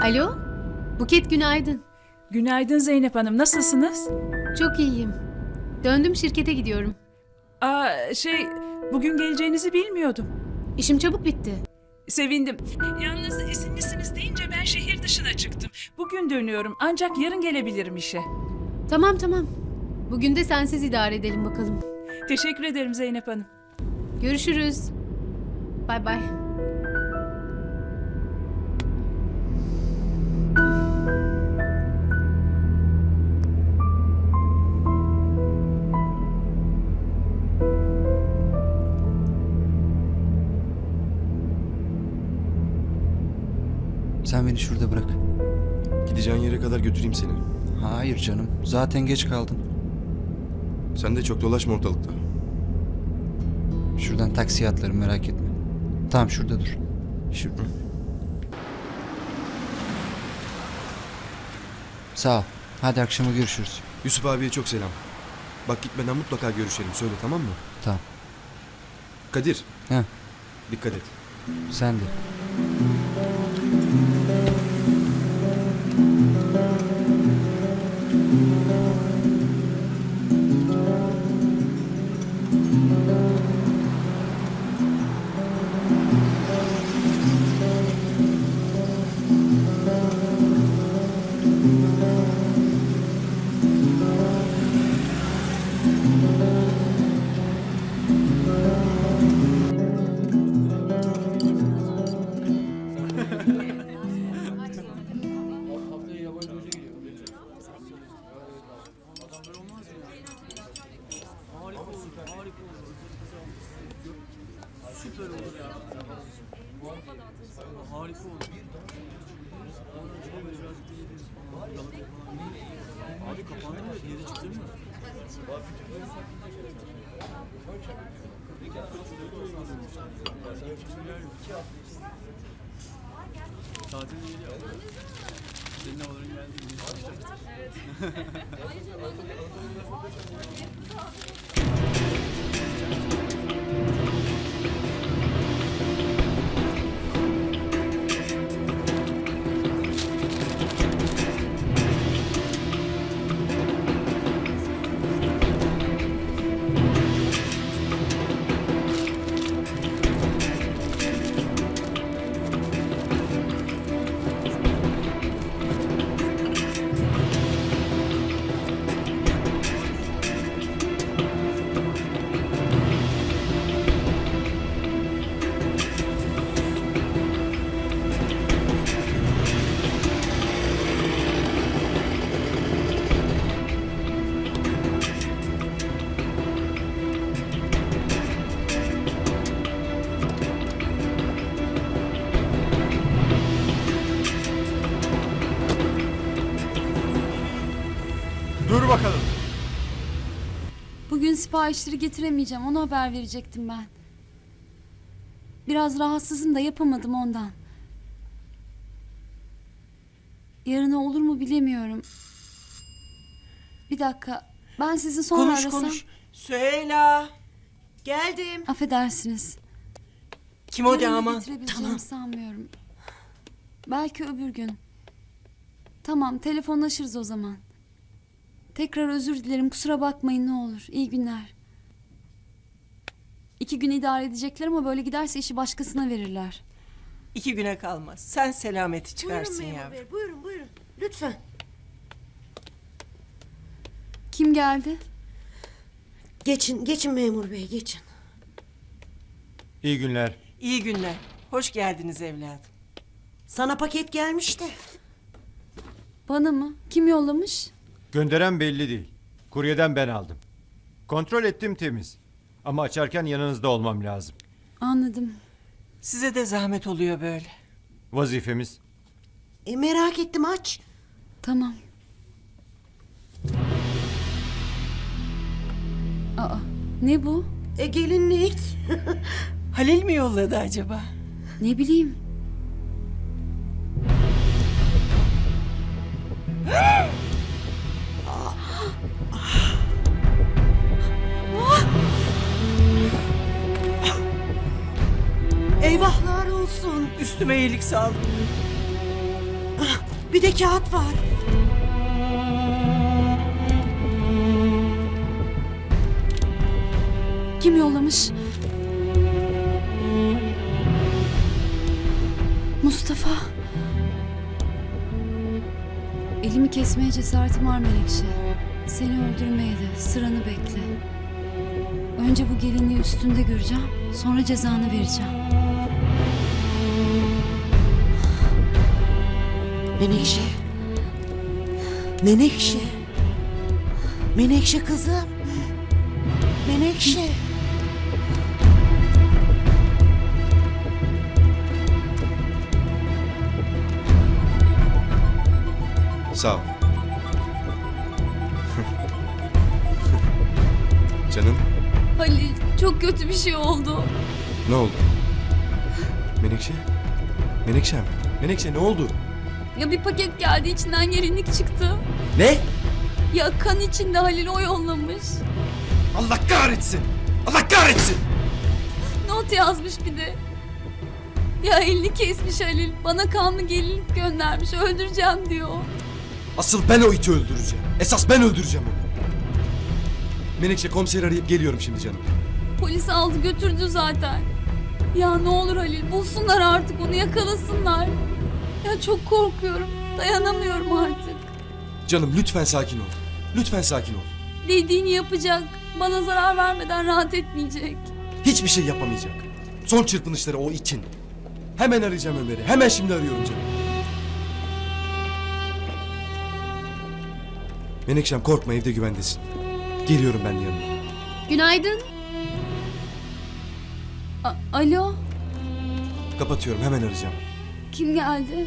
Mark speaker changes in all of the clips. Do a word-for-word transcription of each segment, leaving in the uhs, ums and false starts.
Speaker 1: Alo, Buket günaydın.
Speaker 2: Günaydın Zeynep Hanım, nasılsınız?
Speaker 1: Çok iyiyim. Döndüm şirkete gidiyorum.
Speaker 2: Aa, şey, bugün geleceğinizi bilmiyordum.
Speaker 1: İşim çabuk bitti.
Speaker 2: Sevindim. Yalnız izinlisiniz deyince ben şehir dışına çıktım. Bugün dönüyorum ancak yarın gelebilirim işe.
Speaker 1: Tamam tamam. Bugün de sensiz idare edelim bakalım.
Speaker 2: Teşekkür ederim Zeynep Hanım.
Speaker 1: Görüşürüz. Bay bay.
Speaker 3: Sen beni şurada bırak.
Speaker 4: Gideceğin yere kadar götüreyim seni.
Speaker 3: Hayır canım. Zaten geç kaldın.
Speaker 4: Sen de çok dolaşma ortalıkta.
Speaker 3: Şuradan taksiye atlarım, merak etme. Tamam, şurada dur. Şurada. Sağ ol. Hadi akşama görüşürüz.
Speaker 4: Yusuf abiye çok selam. Bak gitmeden mutlaka görüşelim. Söyle, tamam mı?
Speaker 3: Tamam.
Speaker 4: Kadir,
Speaker 3: Heh,
Speaker 4: dikkat et.
Speaker 3: sen de.
Speaker 4: Dur bakalım.
Speaker 5: Bugün siparişleri getiremeyeceğim. Ona haber verecektim ben. Biraz rahatsızım da yapamadım ondan. Yarına olur mu bilemiyorum. Bir dakika. Ben sizi sonra
Speaker 6: Konuş
Speaker 5: arasam.
Speaker 6: konuş. Süheyla. Geldim.
Speaker 5: Affedersiniz.
Speaker 6: Kim o
Speaker 5: Yarına
Speaker 6: damat?
Speaker 5: getirebileceğimi
Speaker 6: Tamam.
Speaker 5: sanmıyorum. Belki öbür gün. Tamam, telefonlaşırız o zaman. Tekrar özür dilerim. Kusura bakmayın ne olur. İyi günler. İki gün idare edecekler ama böyle giderse işi başkasına verirler.
Speaker 6: İki güne kalmaz. Sen selameti
Speaker 7: Buyurun
Speaker 6: çıkarsın
Speaker 7: memur
Speaker 6: yavrum.
Speaker 7: bey, buyurun buyurun. Lütfen.
Speaker 5: Kim geldi?
Speaker 7: Geçin, geçin memur bey, geçin.
Speaker 8: İyi günler.
Speaker 6: İyi günler. Hoş geldiniz evladım.
Speaker 7: Sana paket gelmişti.
Speaker 5: Bana mı? Kim yollamış?
Speaker 8: Gönderen belli değil. Kuryeden ben aldım. Kontrol ettim, temiz. Ama açarken yanınızda olmam lazım.
Speaker 5: Anladım.
Speaker 6: Size de zahmet oluyor böyle.
Speaker 8: Vazifemiz.
Speaker 7: E merak ettim, aç.
Speaker 5: Tamam. Aa, ne bu?
Speaker 7: E gelinlik.
Speaker 6: Halil mi yolladı acaba?
Speaker 5: Ne bileyim.
Speaker 7: Eyvahlar olsun.
Speaker 6: Üstüme iyilik sağlık.
Speaker 7: Bir de kağıt var.
Speaker 5: Kim yollamış? Mustafa. Elimi kesmeye cesaretim var Menekşe. Seni öldürmeye de sıranı bekle. Önce bu gelinliği üstünde göreceğim. Sonra cezanı vereceğim.
Speaker 7: Menekşe. Menekşe. Menekşe kızım. Menekşe.
Speaker 4: Sağ ol. Canım,
Speaker 5: Halil, çok kötü bir şey oldu.
Speaker 4: ne oldu? Menekşe? Menekşem, Menekşe ne oldu?
Speaker 5: Ya bir paket geldi, içinden gelinlik çıktı.
Speaker 4: Ne?
Speaker 5: Ya kan içinde, Halil o yollamış.
Speaker 4: Allah kahretsin! Allah kahretsin!
Speaker 5: Not yazmış bir de. Ya elini kesmiş Halil. Bana kanlı gelinlik göndermiş. Öldüreceğim diyor.
Speaker 4: Asıl ben o iti öldüreceğim. Esas ben öldüreceğim onu. Menekşe, komiseri arayıp geliyorum şimdi canım.
Speaker 5: Polis aldı götürdü zaten. Ya ne olur Halil, bulsunlar artık onu, yakalasınlar. Ya çok korkuyorum. Dayanamıyorum artık.
Speaker 4: Canım lütfen sakin ol. Lütfen sakin ol.
Speaker 5: Dediğini yapacak. Bana zarar vermeden rahat etmeyecek.
Speaker 4: Hiçbir şey yapamayacak. Son çırpınışları o itin. Hemen arayacağım Ömer'i. Hemen şimdi arıyorum canım. Menekşem korkma, evde güvendesin. Geliyorum ben de yanına.
Speaker 1: Günaydın.
Speaker 5: A- Alo,
Speaker 4: Kapatıyorum, hemen arayacağım.
Speaker 5: kim geldi?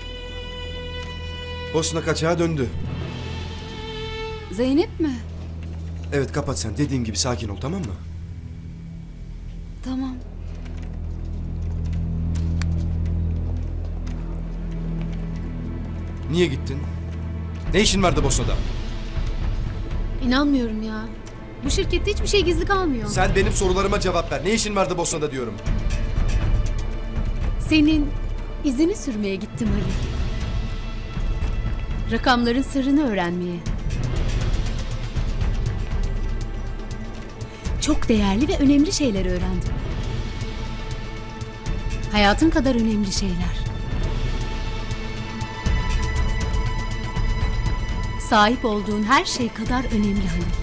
Speaker 4: Bosna kaçağa döndü.
Speaker 5: Zeynep mi?
Speaker 4: Evet, kapat sen. Dediğim gibi sakin ol, tamam mı?
Speaker 5: Tamam.
Speaker 4: Niye gittin? Ne işin vardı Bosna'da?
Speaker 1: İnanmıyorum ya. Bu şirkette hiçbir şey gizli kalmıyor.
Speaker 4: Sen benim sorularıma cevap ver. Ne işin vardı Bosna'da diyorum.
Speaker 1: Senin izini sürmeye gittim Halil. Rakamların sırrını öğrenmeye. Çok değerli ve önemli şeyler öğrendim. Hayatın kadar önemli şeyler. Sahip olduğun her şey kadar önemli Halil.